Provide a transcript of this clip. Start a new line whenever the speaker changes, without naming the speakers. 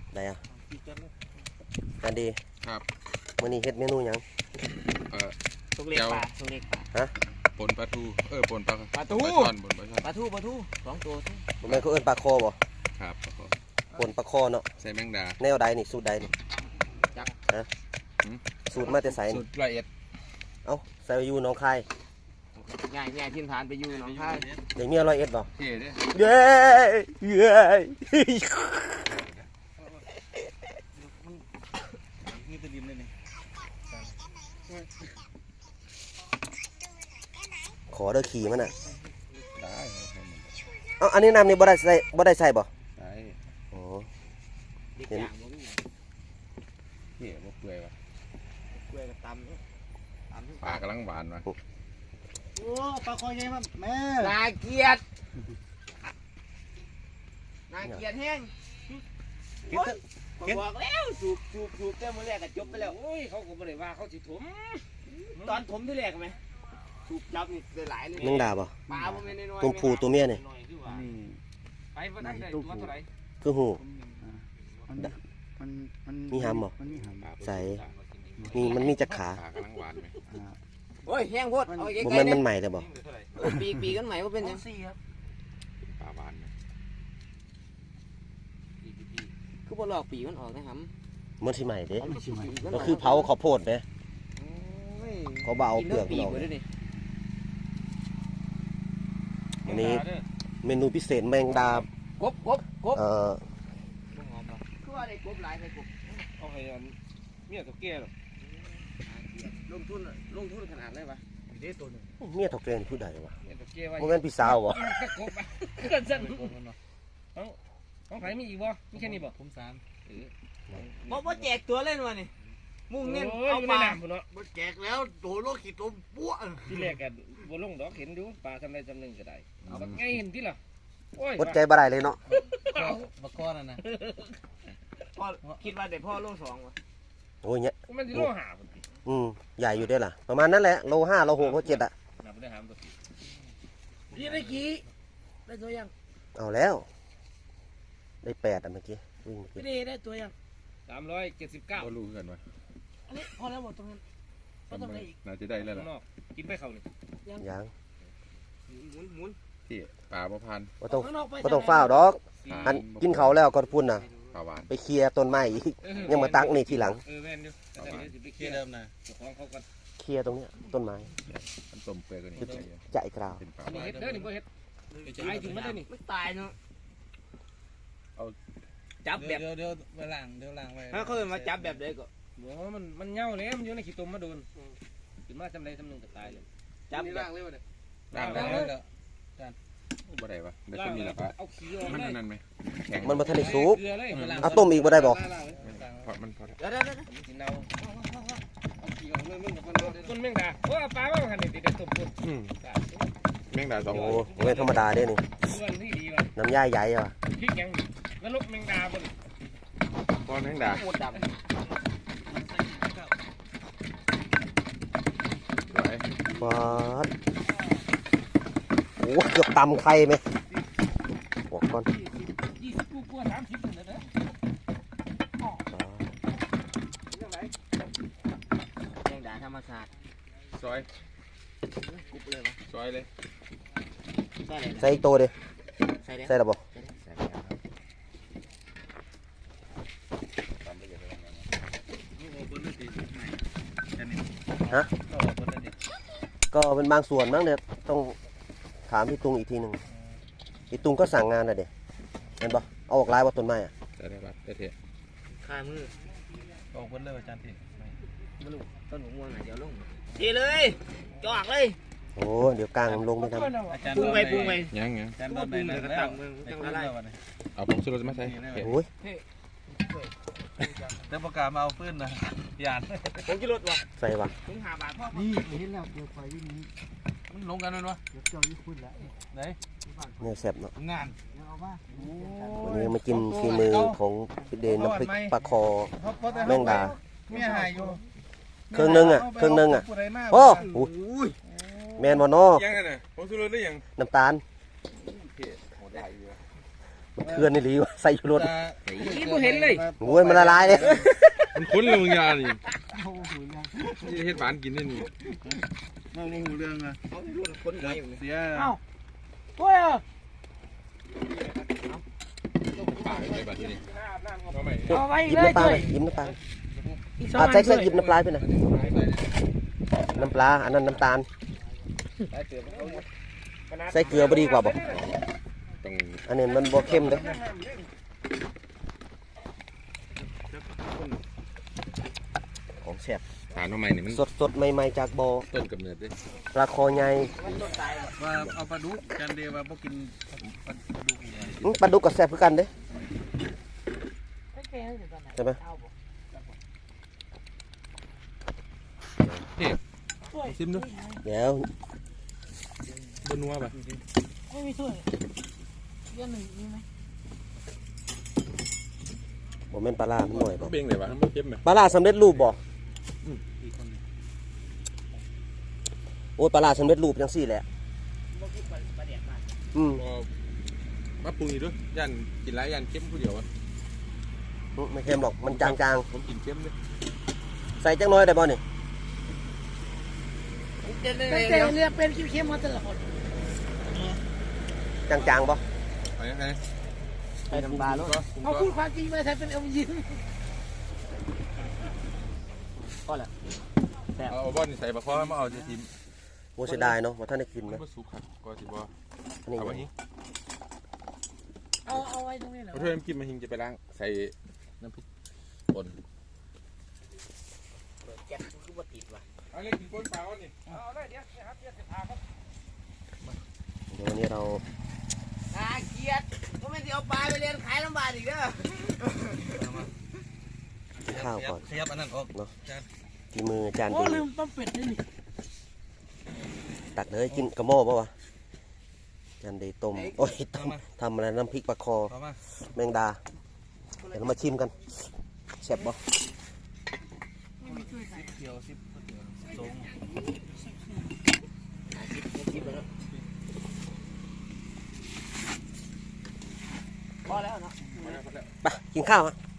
ได้อะกันดี
ครับ
มื้อนี้เฮ็ดเมนูหยัง
ตุกเล็กปลาตุกเล็กปลา
ฮะ
ปนปลาทูปนปลา
ปลาทู
ปลาช่อนปนปลาช่อน
ปลาทู2 ตัว
บ่แม่นเขาเอิ้นปลาคอบ่
ครับ
ปนปลาคอเนาะ
ใส่แมงดา
แนวใดนี่สูตรใดนี่
จัก
ฮะสูตรมาแต่ไสนี่
สูตรละเอียด
เอ้าใส่อยู่หนองคาย
ง่ายทิ้นฐานไปอยู่หนองคาย
ได้เมีย101บ่
เท่เด้
เย้เย้
นี่ตะลิมเลยนี่
ขอเด้อขี่มันน่ะ
ได้
เอ้าอันนี้น้ำนี่บ่ได้ใส่บ่
ได้
โอ้
เด็กอย่างบ่มี
เท่บ่เปื่อยวะ
กล้วยกับตำ
ปลากำลังหวานวะ
โอ้ปลาคอยใหญ่ครับแม่
น่าเกลียดแห้งบอกแล้วสูบเจ้ามือแรกก็จบไปแล้วโอ้ยเขาก็บ่ได้ว่าเขาสิถมตอนถมที่แรกไหมสูบจับนี่ได้หลายเลย
แมงดาบ่
ปลาบ่แม่นน้อยๆ
ตัวผู้ตัวเมียนี่
ไปบ่ได้ตัวเท่าไหร่
คือหู
มัน
มีหำบ่
มันมีหำ
ใส่มันมีจักขา
ปลากำลังหวานไหม
โอ้ยแห้งโพดเอาไก
บ่
ล
แม่น
ๆ
มันใหม่แต่บ่
ปีกันใหม่ว่าเป็นยัง
ปลาหวานไหม
คือบ่ลอกปีมันออกนะครับ
มันสิใหม่เด้
ไม่ใช่ไหม
ก็คือเผาข้าวโพดแหม เขาบ่เอาเปลือกมันออก อันนี้เมนูพิเศษแมงดาก
บคือว่าได้กบหลายได้กบ
เอาให้เมียตัวแก่หรอ
ลงทุนขนาดเลยวะ
มีได้ตัวหนึ่ง
เมียเฒ่าแก่นี่ผู้ใดวะ
เมียตัวแก่ไว้
บ่แม่นพี่สาวบ่
กบอ่ะเกินสั่นของไผมีอีกบ่มีแค่นี้บ่ผม3
บ่แจกตัวเล่นวะนี่มุ่งเน้น
เอา
เอา
ป
ป
ลา
ลา
เนาะ
มันแจกแล้วโดนโลกขีดตัวปั้ว
ที่แรกกันบ่ลงดอกเห็นอยู่ปลาทำไรจำหนึ่งก็ได้เอาแบบไงเห็นที่ล่ะโอ้ย
อดใจบ่ได้เลยเนาะ
บักก้อนนะ
พ่อคิดว่าได้พ่อโล2วะ
โอ้ยเนี่ย
มันสิโลหาพุ่นติ
ใหญ่อยู่เด้อล่ะประมาณนั้นแหละโล5โล6โล7อ่ะ
นับได้หามตัวพี่ได้กี่ได้ตัวยัง
เอาแล้วได้8อ่ะเมื่อกี้วิ่งเมื่อกี้
พี่ได้ตัวยัง379
ก็รู้กันวะ
อันนี้พอแล้วหมดตรงนั้นก็ต้องได้อีก
น่าจะได้แล้วล่ะ
นอกกินไปเขานี่
ยัง
หมุน
ที่ปลาบ่พัน
บ่ต้องฟ้าวดอกอันกินเขาวแล้วก็พุ่นน่ะ
ปลาหวาน
ไปเคลียร์ต้นไม้อีกยังมาตักนี่ทีหลัง
แม่นอยู่แต่เดี๋ยวสิไปเคลียร์เดิมนะเจ้าของเขากัน
เคลียร์ตรงเนี้ยต้นไม้
มันต้มเปื่อยกันนี่
ใจกราว
เป็นปลา
อันนี้เฮ็ดเด้อนี่บ่เฮ็ดไอ้ถึงมันได้นี่
ไม่ตายเนาะจับแบบ
เดี๋ยวไปล้างไว้
ถ้าเขามาจับแบบใดก็
บ่มันเหงาเลยมันอยู่ในขี้ตุ่มมาโดนขึ้นมาจำได้จำหนึ่งก็ตายเลย
จับแบบ
ด่างได้บ่ได้ปะได้ต้นนี้ล่ะปะ
เอาขี้ออก
มัน
เลย
นั่นไหมแข็ง
มันบ่ทันได้สุก
เกลือเลย
เอาต้มอีกบ่ได้บ่
พอมันพอ
เดี๋ยว
สิเนาเอาขี้ออกเลยมึงกับคนแมงดาโอ้ปลาว่าหันนี่ได้ต้มพุ่น
แมงดาสอง
โอ้
โล
โหไม่ธรรมดาเด้นี่
เพื่อนที่ดีว่ะ
น้ำย่าใหญ่ว่ะ
พริกยังแล้วลกแมงดาบ่น
ก้อนแมงดา
หมดดำ
สวย
ปาดโอ้เกือบตำไข่ไหมบอกก่อน
20กว่า30พุ่นเด้อ
แมงดาธรรมชาติ
ซอย
กุบเลยวะ
ซอยเลย
ใส่เลย
ใส่อีกตัวเด้
ใส่เลย
ใส่ระบบ ก็เป็นบางส่วนมั้งเนี่ยต้องถามพี่ตุงอีกทีหนึ่งพี่ตุงก็สั่งงานน่ะเด็เห็นปะเอาออกลายว่าต้นไม้อะ
จะได้บัตรได้เถอะ
ข้ามือ
ออกเบิ่นเลยอาจารย์ที่
มาลูกต้นหัวม่วงเดี๋ยวลงทีเลยจอกเลย
โอ้เดี๋ยวกลางลงไปทำ
อาจารย์
ปรุงไป
ยัง
อาจารย์โดนไปแล้วจังอะไร
เอาผงชูรสมาใส่
โอ้ย
เดี๋ยวประกาศมาเอาปืนนะยาน
ผมจะลดวะ
ใส่วะ
ถึง5 บาทพ่อ
นี่เห็นแล้วเดี๋ยวไฟวิ่งนี้
มันลงกันเลยวะ
เดี๋ยวเจ้ายี่คุณแล้ว
ไหน
เนี่ยแซ่บเนาะ
งาน
เดี๋ยวเอามา
วันนี้มากินฝีมือของพี่เดนน้ำพริกปลาคอแมงดา
เมียหายอยู่
เครื่องนึงอ่ะโอ้โหแมนบอนอ
ยังไงเนี่ยผงชูรสได้ยัง
น้ำตาลเทือนนี่หลีวะใส่ชูรส
นี่บ่เห็นเลย
โอ้ยมันละลายเลย
มันคุ้นเลยมึงยานี่
โอ้โหยัง
นี่เฮ็ดหวานกินได้นี่
มองหูเรื่องอะ
เขารุ่นคนไหนอยู่เนี่ย
เสีย
เอ้าโอ้ย
ปากเลยบัดนี้เอาไป
เอาไว้
หยิบ
เลย
น้ำปลา
ด้
เล
วย
ยหยิบน้ำปลา
อีก
ใส่ใส่
ด้วย
หยิบน้ำปลาไปหน่อยน้ำปลาอันนั้นน้ำตาลใส่เกลือบ่ดีกว่าบ่
ต้อง
อันนี้มันบ่เข้มเด้อของแซ่บ
หาหน่อไม้นี่มัน
สดๆใหม่ๆจากบ่อ
ต้นกำเนิดเด้
ปลาคอใหญ่
ว่าเอาปลาดุกกันเดียวว่าพวกกินปลาดุก
ปลาดุกก็แซ่บคือกันเด้ใช่ไหม
ซิมดู
เดี๋ยว
บนนัวป่ะ
ไม่มีถ้วยเรื่องหนึ่งมีไหม
บ่แม่นปลาร้ามันหน่อยบ่
เบ่งเลยวะมันเค็มไหม
ปลาร้าสำเร็จรูปบ่โอ้ยปลาร้าสำเร็จรูปจังซี่แหละอืม
มาปรุงอีกด้วยย่านกินหลายย่านเค็มผู้เดียวอ่ะ
ไม่เค็มหรอกมันจาง
ผมกินเค็มเลย
ๆใส่จังน้อยได้บ่นี่
ตั้งแต่เรียกเป็นเข้มๆมาตลอด
จางๆบ่
ไปยังไง
ใส่น้ำปลาลูก
เอาพูดความจริงมาแทนเป็นเอายิ้ม
เอาบ้อนใส่บะคอมาเอาจะทิม
โอ้เสียดายเนาะว่าท่านได้กิน
มัน
นะ
ก็สุกครับก็สิบ่
อันนี้
เอาไว้หิ้ง
เอาไว้ตรงนี้เหรอ
เอาถ้วยน้ำกินมาหิ้งจะไปล้างใส่น้ำพริกป่น
แก๊สคือบ่ติดว่ะ
เอาเลยกินป่นเปล่านี่
เอาได้เดี๋ยวครับเดี๋ยวจะพาครับ
เดี๋ยววันนี้เรา
เกียดก็ไม่ได้เอาปลาไปเรียนขายลำบากอีกเด้อ
กินข้าวก่อน
ขยับอันนั้นออก
ที่มือจาน
โอ้
ดี
ลืมต้มเป็ดนี่นี่
ตักเลยกินกระหม้อป่ะวะจานดีต้มโอ้ยต้มทำอะไรน้ำพริกปลาคอ
ต่อมา
แมงดาเดี๋ยวเรามาชิมกันแซ่บบ่
เขียวสิบตรง
พอแล้วเนาะ
ไปกินข้าวฮะ